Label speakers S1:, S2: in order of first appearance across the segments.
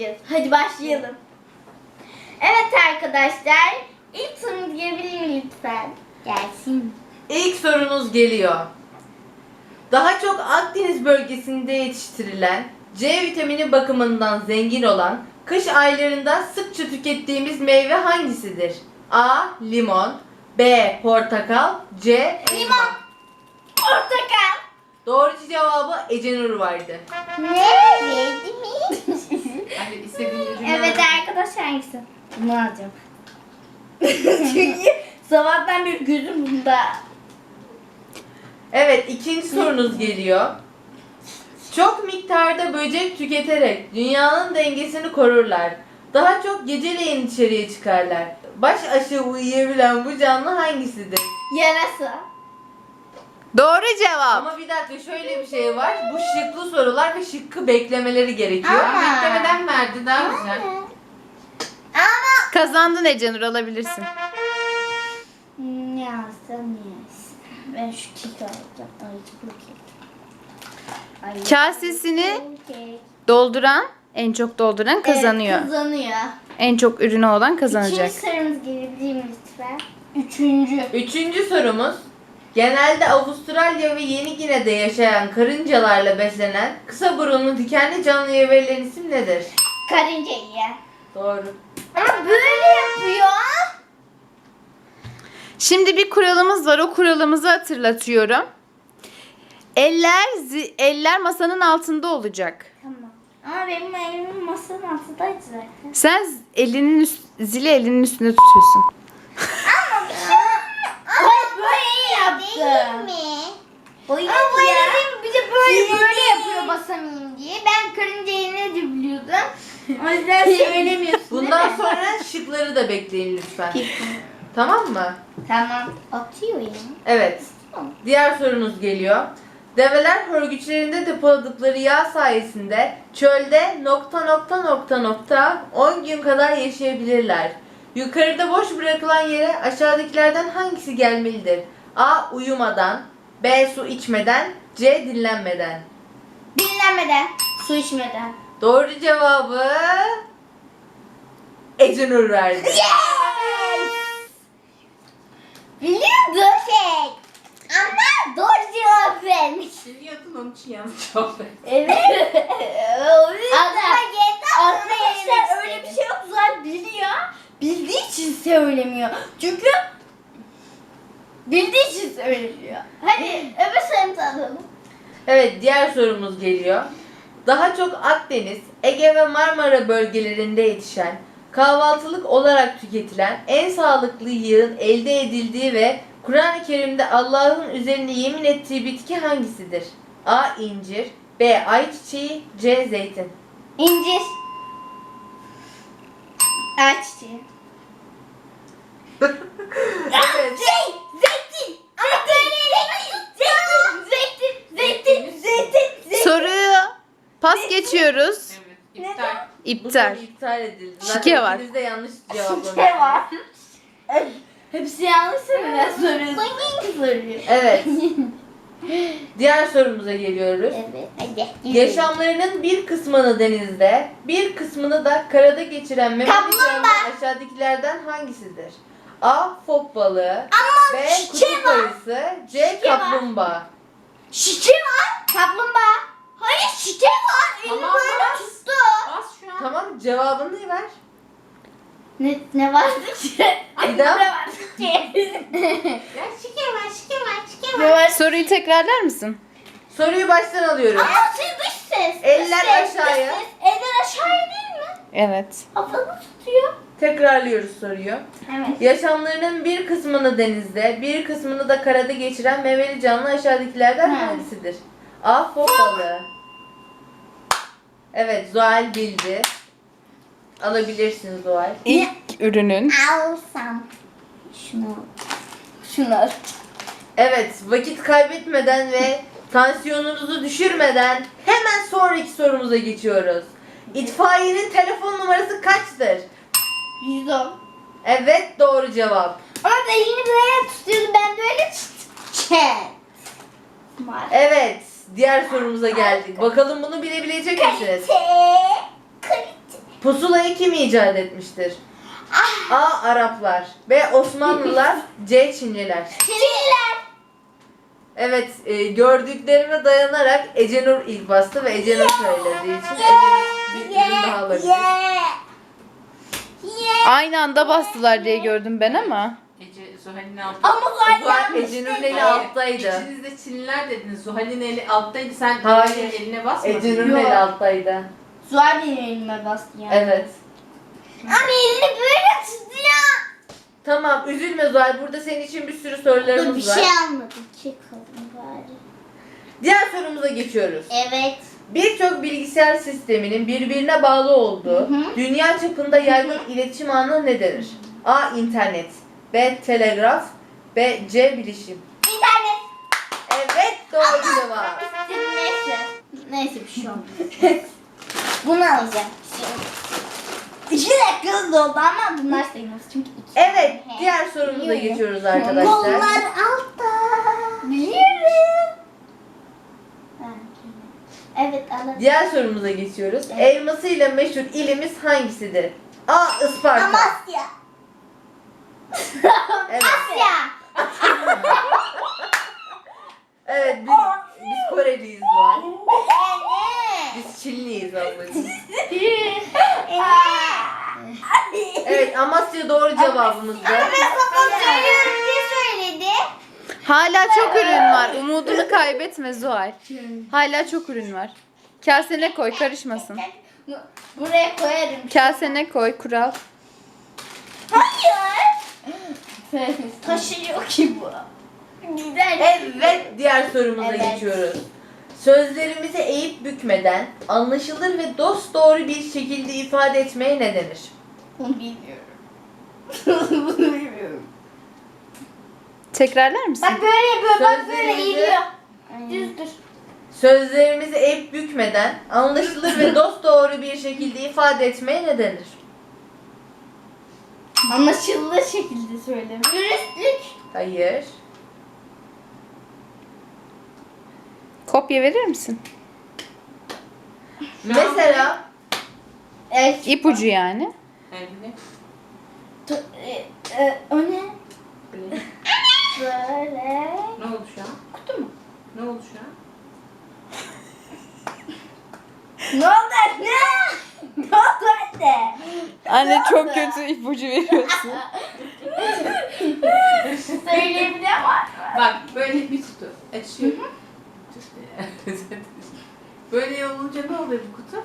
S1: başlıyoruz. Hadi başlayalım. Evet arkadaşlar. İlk sorumuz gelebilir mi lütfen? Gelsin.
S2: İlk sorunuz geliyor. Daha çok Akdeniz bölgesinde yetiştirilen, C vitamini bakımından zengin olan, kış aylarında sıkça tükettiğimiz meyve hangisidir? A. Limon, B. Portakal, C. elma.
S1: Limon. Portakal.
S2: Doğru cevabı Ecenur vardı.
S1: Ne? Verdi mi?
S2: Hadi istediğin ürünü
S1: Evet
S2: al.
S1: arkadaşlar hangisi? Bunu alacağım. Çünkü sabahtan bir gözüm bunda.
S2: Evet, ikinci sorunuz geliyor. Çok miktarda böcek tüketerek dünyanın dengesini korurlar. Daha çok geceleyin içeriye çıkarlar. Baş aşağı uyuyabilen bu canlı hangisidir?
S1: Yarasa.
S3: Doğru cevap.
S2: Ama bir dakika, şöyle bir şey var. Bu şıklı sorular ve şıkkı beklemeleri gerekiyor.
S1: Ama-
S2: Beklemeden verdi, daha güzel.
S1: Ama
S3: Kazandın Ecenur, alabilirsin.
S1: ne alsam ben şu keki alacağım. Ay çok kek. Ay,
S3: Kasesini
S1: çok kek.
S3: dolduran, en çok dolduran kazanıyor.
S1: Evet, kazanıyor.
S3: En çok ürünü olan kazanacak.
S1: İkinci sorumuz gelebilir mi lütfen? Üçüncü.
S2: Üçüncü sorumuz. Genelde Avustralya ve Yeni Gine'de yaşayan karıncalarla beslenen kısa burunlu dikenli canlıya verilen isim nedir?
S1: Karınca yiyen.
S2: Doğru.
S1: Ama böyle yapıyor.
S3: Şimdi bir kuralımız var. O kuralımızı hatırlatıyorum. Eller masanın altında olacak.
S1: Tamam. Ama benim elim masanın altındaydı zaten.
S3: Sen zili elinin üstünde tutuyorsun.
S1: Ay böyle yaptım. Değil mi? Oyun ama böyle değil mi? Bir de böyle yapıyor basamayayım diye. Ben karıncayı ne biliyordum. O yüzden söylemiyorsun.
S2: Bundan sonra şıkları da bekleyin lütfen. Tamam mı?
S1: Tamam. Atıyor ya.
S2: Evet. Diğer sorunuz geliyor. Develer hörgüçlerinde depoladıkları yağ sayesinde çölde ... 10 gün kadar yaşayabilirler. Yukarıda boş bırakılan yere aşağıdakilerden hangisi gelmelidir? A. Uyumadan, B. Su içmeden, C. Dinlenmeden.
S1: Dinlenmeden. Su içmeden.
S2: Doğru cevabı Ecenur verdi.
S1: Biliyordum. Ama doğru cevap vermiş.
S2: Biliyordun, onun için yanlış cevap verdi.
S1: Evet. Arkadaşlar öyle bir şey yok. Zaten biliyor. Bildiği için söylemiyor. Çünkü bildiği için söylemiyor. Hadi öbür sorumuzu alalım.
S2: Evet, diğer sorumuz geliyor. Daha çok Akdeniz, Ege ve Marmara bölgelerinde yetişen, kahvaltılık olarak tüketilen en sağlıklı yağın elde edildiği ve Kur'an-ı Kerim'de Allah'ın üzerine yemin ettiği bitki hangisidir? A. İncir, B. Ayçiçeği, C. Zeytin.
S1: İncir. Ayçiçeği.
S2: Evet.
S1: Zeytin. Zeytin.
S3: Soruyu pas geçiyoruz.
S2: İptal. Bu
S3: İptal.
S2: soru iptal edildi.
S3: Şike var.
S2: İkiniz de yanlış cevaplamışsınız.
S1: Ne var? Hepsi yanlış söylüyor. Soruyor.
S2: Evet. Diğer sorumuza geliyoruz.
S1: Evet. Hadi.
S2: Yaşamlarının bir kısmını denizde, bir kısmını da karada geçiren memeli
S1: Kaplumbağa.
S2: canlı aşağıdakilerden hangisidir? A. Fok balığı, B.
S1: şike
S2: kutup
S1: var.
S2: ayısı, C.
S1: Şike var.
S2: Kaplumbağa.
S1: Şike var. Kaplumbağa. Hayır şike var. Elimi
S2: Tamam,
S1: böyle
S2: bas.
S1: tuttu.
S2: Tamam, cevabını ver.
S1: Ne vardı ki?
S2: Bir daha.
S1: Ne vardı ki? Ne var?
S3: Soruyu tekrarlar mısın?
S2: Soruyu baştan alıyorum.
S1: Ama dış ses.
S2: Eller
S1: dış ses,
S2: aşağıya.
S1: dış ses. Eller aşağıya değil mi?
S3: Evet.
S1: Havada tutuyor.
S2: Tekrarlıyoruz soruyu.
S1: Evet.
S2: Yaşamlarının bir kısmını denizde, bir kısmını da karada geçiren memeli canlı aşağıdakilerden hangisidir? A. Fok balığı. Evet, Zuhal bildi. Alabilirsiniz Zuhal.
S3: İlk ürünün.
S1: Alsam. Şunu al.
S2: Evet, vakit kaybetmeden ve tansiyonunuzu düşürmeden hemen sonraki sorumuza geçiyoruz. İtfaiyenin telefon numarası kaçtır?
S1: 110.
S2: Evet, doğru cevap.
S1: Ama da elini böyle tutuyordu. Ben böyle tuttum.
S2: Evet, diğer sorumuza geldik. Bakalım bunu bilebilecek misiniz?
S1: Kalite.
S2: Pusulayı kim icat etmiştir? A. Araplar. B. Osmanlılar. C. Çinliler.
S1: Çinliler.
S2: Evet, gördüklerime dayanarak Ecenur ilk bastı ve Ecenur söylediği için Ecenur bir ürün daha alabilir.
S3: Aynı anda bastılar diye gördüm ben ama.
S4: Ece, Zuhal'in altı.
S1: Ama Zuhal
S2: Zuhal
S1: yanlış
S2: Ecenur'un
S1: dedi.
S2: eli alttaydı.
S4: İkiniz de Çinliler dediniz. Zuhal'in eli alttaydı. Sen
S2: Hayır.
S4: Zuhal'in eline basmadın.
S2: Ecenur'un
S1: Yok.
S2: eli alttaydı.
S1: Zuhal benim elime bastı yani.
S2: Evet.
S1: Ama elini böyle tuttu ya.
S2: Tamam, üzülme Zuhal. Burada senin için bir sürü
S1: Dur, bir
S2: sorularımız var.
S1: şey almadım. Çıkalım bari.
S2: Diğer sorumuza geçiyoruz.
S1: Evet.
S2: Birçok bilgisayar sisteminin birbirine bağlı olduğu
S1: Hı.
S2: dünya çapında yaygın iletişim ağına ne denir? A. İnternet. B. Telegraf. B. C. Bilişim.
S1: İnternet.
S2: Evet, doğru cevap.
S1: Neyse. Neyse bir şey olmaz. Bunu alacağım. İki dakika hızlı oldu ama bunlar sayılmaz çünkü iki.
S2: Evet, diğer sorumuza
S1: Biliyorum.
S2: geçiyoruz arkadaşlar.
S1: Kollar altta. Biliyorum. Evet alalım.
S2: Diğer sorumuza geçiyoruz. Elmasıyla meşhur ilimiz hangisidir? A. Isparta.
S1: Amasya.
S2: Evet.
S1: Asya.
S2: Evet, biz Koreliyiz bu an.
S1: Evet.
S2: Biz Çinliyiz ablacığım. Evet, Amasya doğru cevabımızdı.
S1: Ben sana söylüyorum diye söyledi.
S3: Hala çok ürün var. Umudunu kaybetme Zuhal. Hala çok ürün var. Kasene koy, karışmasın.
S1: Buraya koyarım.
S3: Kasene koy, kural.
S1: Hayır. Taşıyor ki bu. Güzel.
S2: Evet, diğer sorumuza
S1: Evet.
S2: geçiyoruz. Sözlerimizi eğip bükmeden, anlaşılır ve dosdoğru bir şekilde ifade etmeye ne denir?
S1: Bunu bilmiyorum. Bunu bilmiyorum.
S3: Tekrarlar mısın?
S1: Bak böyle yapıyor, bak böyle
S2: Sözlerimizi-
S1: eğiliyor. Düz dur.
S2: Sözlerimizi eğip bükmeden, anlaşılır ve dosdoğru bir şekilde ifade etmeye ne denir?
S1: Anlaşılır şekilde söyle. Dürüstlük.
S2: Hayır.
S3: Kopya verir misin?
S2: Mesela
S1: Evet.
S3: İpucu yani.
S4: Elini.
S1: O ne?
S4: Böyle.
S1: Böyle.
S4: Ne oldu şu an?
S1: Kutu mu?
S4: Ne oldu şu an?
S1: Ne oldu anne? Ne oldu anne?
S3: Anne çok kötü ipucu veriyorsun.
S1: Söyleyebilen var mı?
S4: Bak böyle bir kutu. Açıyor. Böyle olunca ne oluyor bu kutu?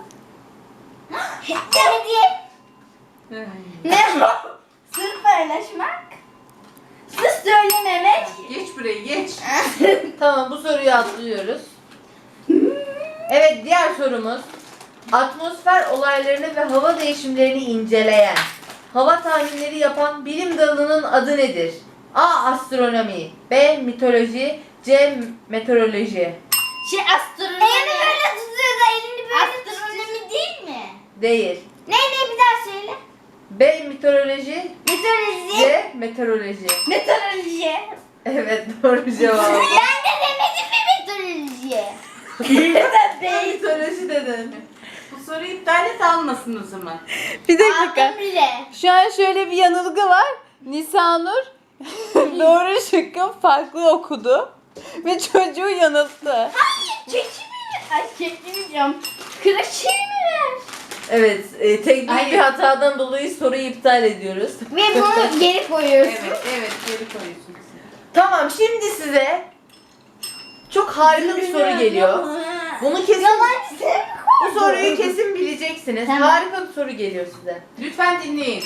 S1: Hediye. Ne o? Sır paylaşmak. Sır söylememek.
S4: Geç buraya geç.
S2: tamam, bu soruyu atlıyoruz. Evet, diğer sorumuz. Atmosfer olaylarını ve hava değişimlerini inceleyen, hava tahminleri yapan bilim dalının adı nedir? A. Astronomi. B. Mitoloji. C. Meteoroloji.
S1: Astronomi. Elini böyle tutuyor da elini böyle astronomi değil mi?
S2: Değil.
S1: Ne bir daha söyle.
S2: B. Mitoloji.
S1: Meteoroloji.
S2: C. Meteoroloji.
S1: Meteoroloji.
S2: Evet, doğru cevap.
S1: Ben de demedim mi meteoroloji? Ben değil.
S2: Mitoloji dedin.
S4: Bu soruyu iptal et almasın o zaman.
S3: Bir dakika.
S1: Aldım bile.
S3: Şu an şöyle bir yanılgı var. Nisanur doğru şıkkı farklı okudu. Ve çocuğu yanılttı.
S1: Çekimi mi? Ay çekimi diyorum. Kıraçını mı ver?
S2: Evet, teknik
S4: Hayır.
S2: bir hatadan dolayı soruyu iptal ediyoruz.
S1: Ve bunu geri koyuyorsun.
S4: Evet geri koyuyorsun.
S2: Tamam, şimdi size çok harika bir soru geliyor. Bunu kesin,
S1: Yalancı sen mi
S2: bu soruyu kesin bileceksiniz.
S1: Tamam.
S2: Harika bir soru geliyor size.
S4: Lütfen dinleyin.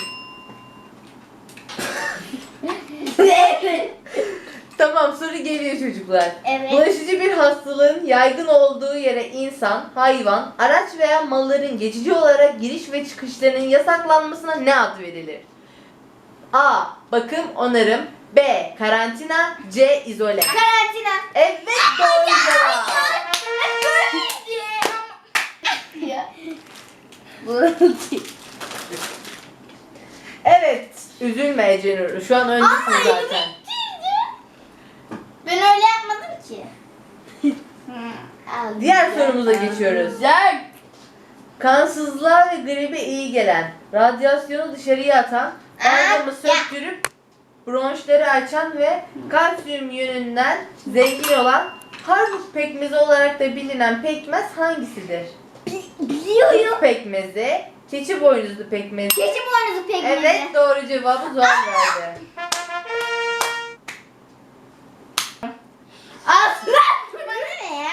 S1: Evet.
S2: Tamam, soru geliyor çocuklar.
S1: Evet.
S2: Bulaşıcı bir hastalığın yaygın olduğu yere insan, hayvan, araç veya malların geçici olarak giriş ve çıkışlarının yasaklanmasına ne ad verilir? A. Bakım, onarım. B. Karantina. C. İzole.
S1: Karantina.
S2: Evet, doğru cevap.
S1: Ya.
S2: Evet, üzülme Ecenur. Şu an öndesin zaten.
S1: Ben öyle yapmadım ki.
S2: Diğer sorumuza geçiyoruz.
S1: Güzel.
S2: Kansızlığa ve gribe iyi gelen, radyasyonu dışarıya atan, balgamı söktürüp bronşları açan ve kalsiyum yönünden zengin olan Harput pekmezi olarak da bilinen pekmez hangisidir?
S1: Biliyorum.
S2: Süt pekmezi, keçi boynuzlu pekmezi.
S1: Keçi boynuzu pekmezi.
S2: Evet, doğru cevabı Zuhal verdi.
S1: Aslan. Bana ne ya?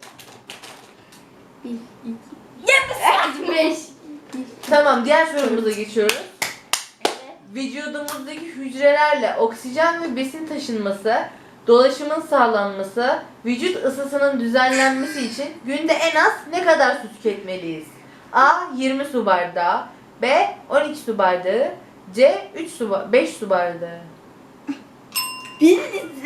S1: 5.
S2: Tamam, diğer sorumuza geçiyoruz. Vücudumuzdaki hücrelerle oksijen ve besin taşınması, dolaşımın sağlanması, vücut ısısının düzenlenmesi için günde en az ne kadar su tüketmeliyiz? A. 20 su bardağı, B. 12 su bardağı, C. 5 su bardağı.
S1: 5.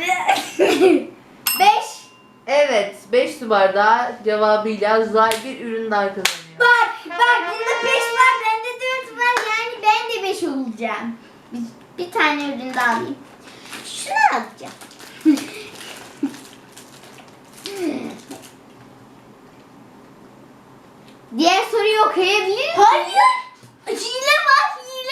S2: Evet, 5 su bardağı cevabıyla Zuhal bir ürün daha kazanıyor.
S1: Bak bunda 5 var, bende 4 var, yani ben de 5 olacağım. Bir tane ürün daha alayım. Şunu alacağım. Diğer soruyu okuyabilir miyim? Hayır. Hile var.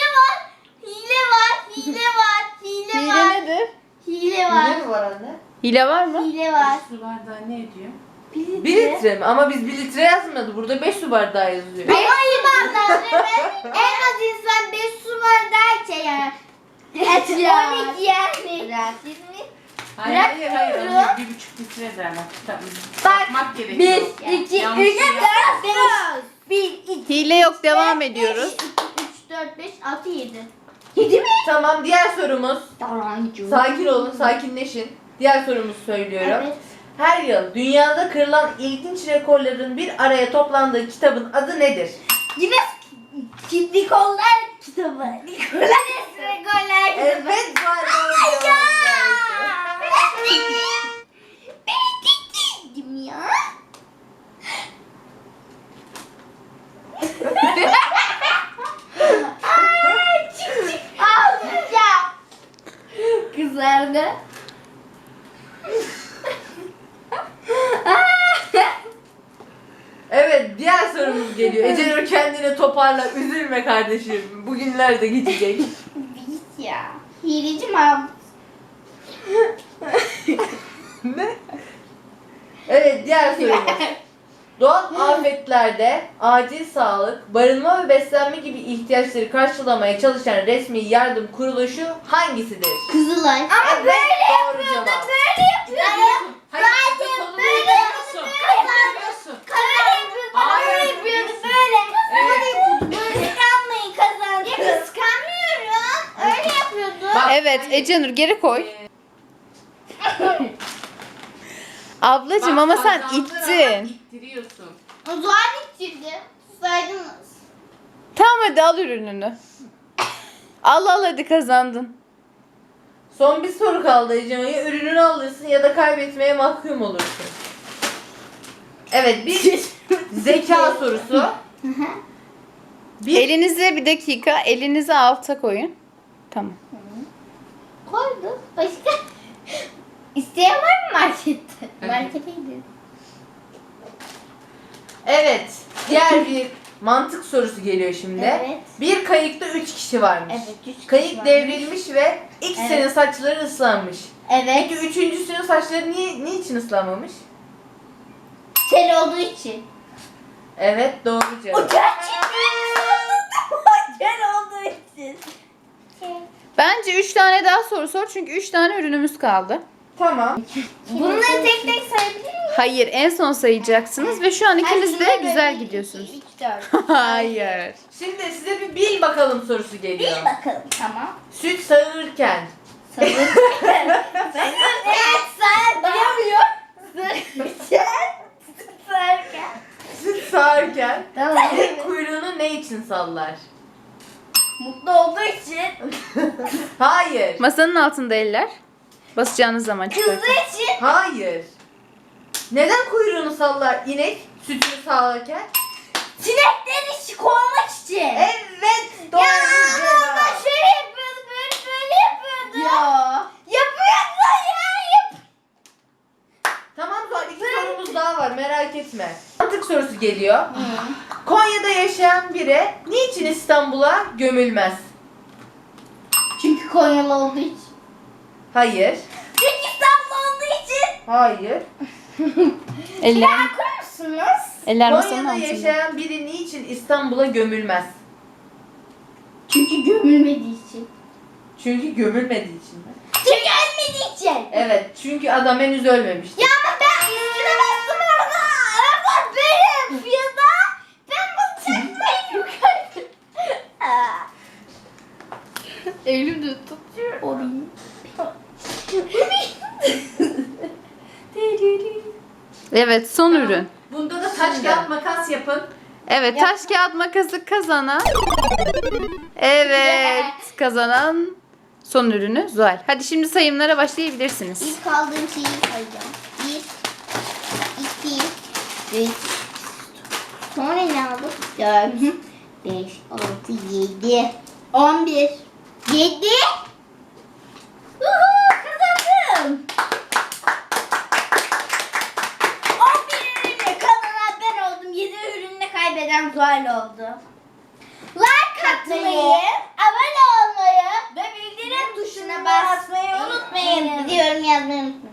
S3: Hile nedir?
S1: Hile var.
S2: Ne mi var anne?
S3: Hile var mı?
S1: Hile var.
S4: Su bardağı ne ediyor?
S2: 1 litre mi? Ama biz 1 litre yazmadı. Burada 5 su bardağı yazıyor.
S1: Ama iyi bardağı en az insan 5 su bardağı içer yani. Et ya. 12 yani.
S4: Hayır.
S1: Bırakmıyorum.
S4: Onu 1,5 litre derler. Tabii.
S1: Bak,
S4: Bakmak gerekiyor.
S1: 1, 2, 3, 4,
S4: Yanlış
S1: 5. 1, 2,
S3: Hile yok, devam ediyoruz.
S1: 3, 4, 5, 6, 7. 7 mi?
S2: Tamam, diğer sorumuz.
S1: Yalancı.
S2: Sakin olun, sakinleşin. Diğer sorumuzu söylüyorum.
S1: Evet.
S2: Her yıl dünyada kırılan ilginç rekorların bir araya toplandığı kitabın adı nedir?
S1: Yine Nikollar kitabı. Nikollar kitabı.
S2: Evet, Zuhal doğru cevabı verdi.
S1: Ben dedim ya. Çık. Ağlayacağım. Kızardı.
S2: Evet, diğer sorumuz geliyor. Ecenur kendini toparla, üzülme kardeşim. Bugünler de geçecek.
S1: Biz ya. Hileci Mahmut.
S2: Ne? Evet, diğer sorumuz. Doğal afetlerde acil sağlık, barınma ve beslenme gibi ihtiyaçları karşılamaya çalışan resmi yardım kuruluşu hangisidir?
S1: Kızılay. Ama
S2: Evet, doğru cevap.
S1: Böyle yapıyordu.
S4: Hayır,
S1: Zaten
S4: kolunu
S1: böyle
S4: yapıyorsun.
S1: yapıyordu. Böyle yapıyordu. Böyle. Böyle yapıyordu. Böyle kıskanmayın kazandı. Ya kıskanmıyorum. Öyle yapıyordu.
S4: Bak,
S3: Evet,
S4: hayır.
S3: Ecenur geri koy. Ablacım
S4: Bak,
S3: ama sen
S4: kazandın ama
S3: ittin.
S4: ittiriyorsun.
S1: O zaman ittirdi. Saydınız.
S3: Tamam hadi al ürününü. Al hadi kazandın.
S2: Son bir soru kaldı Ecenur. Ya ürününü alırsın ya da kaybetmeye mahkum olursun. Evet, bir zeka sorusu.
S3: Elinize bir dakika, elinizi alta koyun. Tamam.
S1: Koyduk. Başka? İsteyen var mı markette? Markete gidelim.
S2: Evet, diğer bir mantık sorusu geliyor şimdi.
S1: Evet.
S2: Bir kayıkta 3 kişi varmış.
S1: Evet, 3 kişi
S2: Kayık
S1: varmış.
S2: devrilmiş ve ikisinin saçları ıslanmış.
S1: Evet.
S2: Peki üçüncüsünün saçları niçin ıslanmamış?
S1: Kel olduğu için.
S2: Evet, doğru cevap.
S1: Kel olduğu için.
S3: Bence 3 tane daha soru sor çünkü 3 tane ürünümüz kaldı.
S2: Tamam.
S1: Bunları tek tek sayabilir miyim?
S3: Hayır, en son sayacaksınız ve şu an ikiniz de güzel gidiyorsunuz.
S1: 3, 4.
S3: Hayır.
S2: Şimdi size bir bil bakalım sorusu geliyor.
S1: Bir bakalım. Tamam.
S2: Süt sağırken
S1: Evet sen duyamıyor. Sarken.
S2: süt sağarken
S1: Tamam.
S2: kuyruğunu ne için sallar?
S1: Mutlu olduğu için.
S2: Hayır.
S3: Masanın altında eller. Basacağınız zaman çıkartın.
S1: Kızdığı için.
S2: Hayır. Neden kuyruğunu sallar inek sütünü sağarken?
S1: Sinekleri işi kovmak için.
S2: Evet, doğru
S1: Ya ama
S2: cevap.
S1: şöyle yapıyordu, böyle yapıyordu. Yapıyordu ya.
S2: Tamam, Zuhal, iki sorumuz daha var, merak etme. Mantık sorusu geliyor. Konya'da yaşayan biri niçin İstanbul'a gömülmez?
S1: Çünkü Konyalı olduğu için.
S2: Hayır.
S1: Çünkü İstanbul olduğu için.
S2: Hayır.
S3: Eller,
S1: Okur musunuz?
S3: eller masanın
S2: Konya'da
S3: altında.
S2: yaşayan biri niçin İstanbul'a gömülmez?
S1: Çünkü gömülmediği için.
S2: Çünkü gömülmediği için mi?
S1: Çünkü ölmediği için.
S2: Evet, çünkü adam henüz ölmemişti.
S1: Ya ama ben üstüne bastım orada. Araba böyle yapıyor da. Ben basacaktım yukarı. Elim de tutuyor. Orayı.
S3: Evet, son ürün.
S4: Bunda da taş kağıt makas yapın.
S3: Evet, taş kağıt makası kazanan. Evet, kazanan son ürünü Zuhal. Hadi şimdi sayımlara başlayabilirsiniz.
S1: İlk aldığım şeyi sayacağım. 1, 2, 3. Sonra ne aldık? 4, 5, 6, 7, 11, 7. Kazandım. 11 ürünle kazanan ben oldum. 7 ürünle kaybeden Zuhal oldu. Like atmayı, abone olmayı ve bildirim tuşuna basmayı unutmayın. Diyorum yazmayı unutmayın.